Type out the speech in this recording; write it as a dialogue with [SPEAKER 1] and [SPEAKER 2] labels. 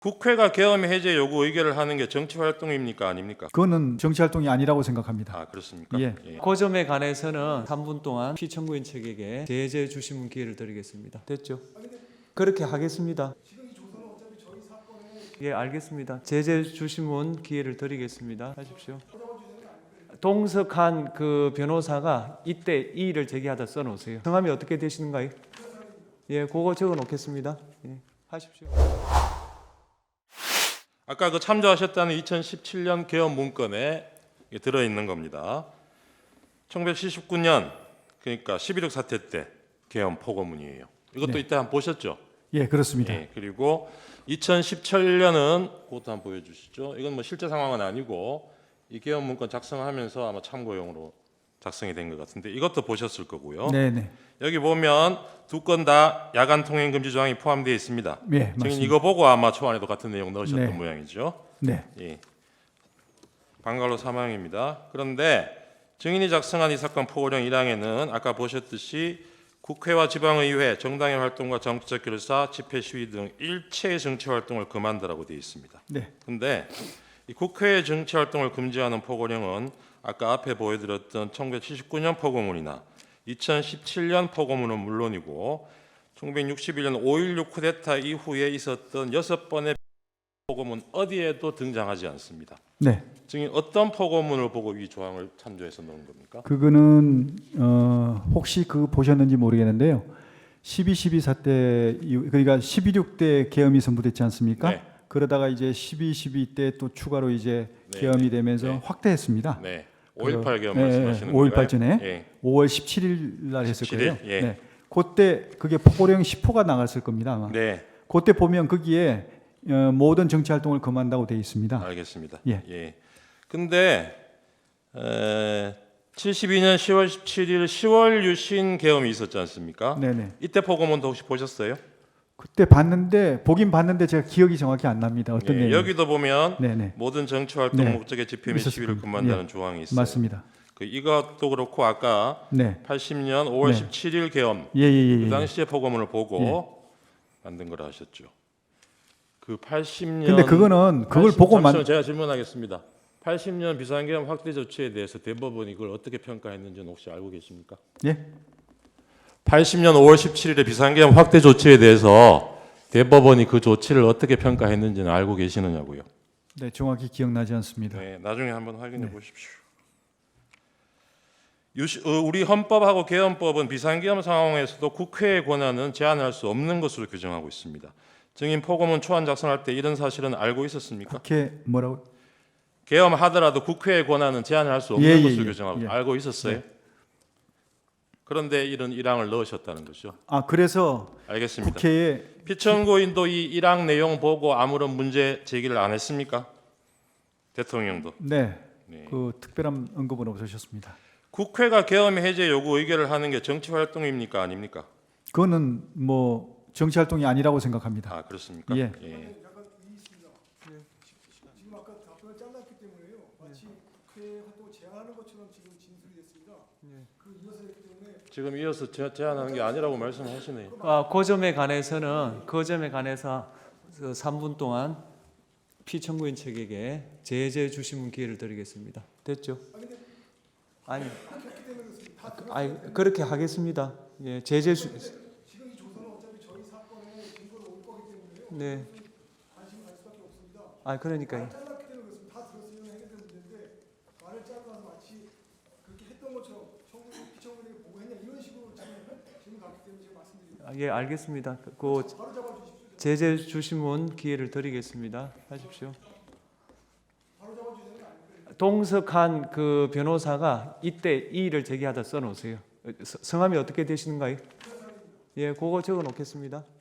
[SPEAKER 1] 국회가 계엄 해제 요구 의결을 하는 게 정치 활동입니까 아닙니까?
[SPEAKER 2] 그거는 정치 활동이 아니라고 생각합니다.
[SPEAKER 1] 아 그렇습니까?
[SPEAKER 2] 예.
[SPEAKER 3] 그 점에 관해서는 3분 동안 피청구인 측에게 제재 주시문 기회를 드리겠습니다. 됐죠? 그렇게 하겠습니다. 예, 알겠습니다. 제재 주시문 기회를 드리겠습니다. 하십시오. 동석한 그 변호사가 이때 이의를 제기하다 써놓으세요. 성함이 어떻게 되시는가요? 예, 그거 적어놓겠습니다. 예, 하십시오.
[SPEAKER 1] 아까 그 참조하셨다는 2017년 계엄 문건에 들어있는 겁니다. 1979년 그러니까 11.6 사태 때 계엄 포고문이에요. 이것도
[SPEAKER 2] 네.
[SPEAKER 1] 이때 한번 보셨죠?
[SPEAKER 2] 예, 그렇습니다.
[SPEAKER 1] 예, 그리고 2017년은 그것도 한번 보여주시죠. 이건 뭐 실제 상황은 아니고 이 계엄 문건 작성하면서 아마 참고용으로 작성이 된 것 같은데 이것도 보셨을 거고요.
[SPEAKER 2] 네네.
[SPEAKER 1] 여기 보면 두 건 다 야간 통행 금지 조항이 포함되어 있습니다.
[SPEAKER 2] 예,
[SPEAKER 1] 증인
[SPEAKER 2] 맞습니다.
[SPEAKER 1] 이거 보고 아마 초안에도 같은 내용 넣으셨던
[SPEAKER 2] 네.
[SPEAKER 1] 모양이죠.
[SPEAKER 2] 네.
[SPEAKER 1] 예. 방갈로 사망입니다. 그런데 증인이 작성한 이 사건 포고령 1항에는 아까 보셨듯이 국회와 지방의회, 정당의 활동과 정치적 결사, 집회 시위 등 일체의 정치 활동을 금한다라고 되어 있습니다.
[SPEAKER 2] 네.
[SPEAKER 1] 그런데 이 국회의 정치 활동을 금지하는 포고령은 아까 앞에 보여드렸던 1979년 포고문이나 2017년 포고문은 물론이고 1961년 5.16 쿠데타 이후에 있었던 6번의 포고문 어디에도 등장하지 않습니다.
[SPEAKER 2] 네.
[SPEAKER 1] 증인 어떤 포고문을 보고 이 조항을 참조해서 넣은 겁니까?
[SPEAKER 2] 그거는 혹시 그거 보셨는지 모르겠는데요. 12.12 사태 그러니까 12.6 때 계엄이 선포됐지 않습니까?
[SPEAKER 1] 네.
[SPEAKER 2] 그러다가 이제 12.12 때 또 추가로 이제
[SPEAKER 1] 네.
[SPEAKER 2] 계엄이 되면서
[SPEAKER 1] 네.
[SPEAKER 2] 확대했습니다.
[SPEAKER 1] 네. 5.18 계엄
[SPEAKER 2] 예,
[SPEAKER 1] 말씀하시는
[SPEAKER 2] 5.18
[SPEAKER 1] 건가요?
[SPEAKER 2] 전에
[SPEAKER 1] 예.
[SPEAKER 2] 5월 17일 날 했을
[SPEAKER 1] 17일?
[SPEAKER 2] 거예요.
[SPEAKER 1] 예.
[SPEAKER 2] 네. 그때 그게 포고령 10호가 나갔을 겁니다. 아마.
[SPEAKER 1] 네.
[SPEAKER 2] 그때 보면 거기에 모든 정치 활동을 금한다고 되어 있습니다.
[SPEAKER 1] 알겠습니다.
[SPEAKER 2] 예.
[SPEAKER 1] 예. 근데 72년 10월 17일 10월 유신 계엄이 있었지 않습니까?
[SPEAKER 2] 네네.
[SPEAKER 1] 이때 포고문도 혹시 보셨어요?
[SPEAKER 2] 그때 봤는데 보긴 봤는데 제가 기억이 정확히 안 납니다. 어떤
[SPEAKER 1] 예,
[SPEAKER 2] 내용?
[SPEAKER 1] 여기도 보면
[SPEAKER 2] 네네.
[SPEAKER 1] 모든 정치 활동
[SPEAKER 2] 네.
[SPEAKER 1] 목적의 집회 및
[SPEAKER 2] 있었을
[SPEAKER 1] 시위를
[SPEAKER 2] 겁니다.
[SPEAKER 1] 금한다는
[SPEAKER 2] 예.
[SPEAKER 1] 조항이 있어요.
[SPEAKER 2] 맞습니다.
[SPEAKER 1] 그 이것도 그렇고 아까
[SPEAKER 2] 네.
[SPEAKER 1] 80년 5월
[SPEAKER 2] 네.
[SPEAKER 1] 17일 계엄
[SPEAKER 2] 예예예.
[SPEAKER 1] 그 당시에 포고문을 보고
[SPEAKER 2] 예.
[SPEAKER 1] 만든 거라 하셨죠. 그 80년
[SPEAKER 2] 근데 그거는 그걸 보고
[SPEAKER 1] 잠시만 제가 질문하겠습니다. 80년 비상계엄 확대 조치에 대해서 대법원이 그걸 어떻게 평가했는지는 혹시 알고 계십니까?
[SPEAKER 2] 예?
[SPEAKER 1] 80년 5월 17일의 비상계엄 확대 조치에 대해서 대법원이 그 조치를 어떻게 평가했는지는 알고 계시느냐고요.
[SPEAKER 2] 네, 정확히 기억나지 않습니다.
[SPEAKER 1] 네, 나중에 한번 확인해 보십시오. 우리 헌법하고 계엄법은 비상계엄 상황에서도 국회의 권한은 제한할 수 없는 것으로 규정하고 있습니다. 증인 포고문 초안 작성할 때 이런 사실은 알고 있었습니까?
[SPEAKER 2] 국회 뭐라고?
[SPEAKER 1] 계엄하더라도 국회의 권한은 제한할 수 없는
[SPEAKER 2] 예, 예,
[SPEAKER 1] 것으로
[SPEAKER 2] 예.
[SPEAKER 1] 규정하고
[SPEAKER 2] 예.
[SPEAKER 1] 알고 있었어요.
[SPEAKER 2] 네.
[SPEAKER 1] 그런데 이런 1항을 넣으셨다는 거죠.
[SPEAKER 2] 아, 그래서
[SPEAKER 1] 알겠습니다.
[SPEAKER 2] 국회에
[SPEAKER 1] 피청구인도 이 1항 내용 보고 아무런 문제 제기를 안 했습니까? 대통령도.
[SPEAKER 2] 네.
[SPEAKER 1] 네.
[SPEAKER 2] 그 특별한 언급은 없으셨습니다.
[SPEAKER 1] 국회가 계엄 해제 요구 의결을 하는 게 정치 활동입니까 아닙니까?
[SPEAKER 2] 그거는 뭐 정치 활동이 아니라고 생각합니다.
[SPEAKER 1] 아 그렇습니까?
[SPEAKER 2] 예.
[SPEAKER 4] 약간 이의 있습니다. 지금 아까 답변을 잘랐기 때문에요. 마치 국회 활동을 제한하는 것처럼 지금 진술이 됐습니다. 그 이어서 했기 때문에
[SPEAKER 1] 지금 이어서 제안하는 게 아니라고 말씀하시네요.
[SPEAKER 3] 그 점에 관해서는 그 점에 관해서 3분 동안 피청구인 측에게 제재 주시문 기회를 드리겠습니다. 됐죠? 아니, 아니 그렇게 하겠습니다. 예, 제재 주.
[SPEAKER 4] 지금 이 조서는 어차피 저희 사건의 증거로 올 거기 때문에요.
[SPEAKER 3] 네.
[SPEAKER 4] 관심을 갈 수밖에 없습니다.
[SPEAKER 3] 아 그러니까요.
[SPEAKER 4] 잘랐기 때문에 그렇습니다. 다 들었으면 해결된 문제인데 말을 잘라서 마치 그렇게 했던 것처럼 피청구인에게 보고했냐 이런 식으로 지금 갔기 때문에 제가 말씀드립니다.
[SPEAKER 3] 아, 예, 알겠습니다. 그
[SPEAKER 4] 바로 잡아주십시오.
[SPEAKER 3] 제재 주시문 기회를 드리겠습니다. 하십시오.
[SPEAKER 4] 바로 잡아주시는 게 아니고요.
[SPEAKER 3] 동석한 그 변호사가 이때 이의를 제기하다 써놓으세요. 성함이 어떻게 되시는가요? 예, 그거 적어놓겠습니다.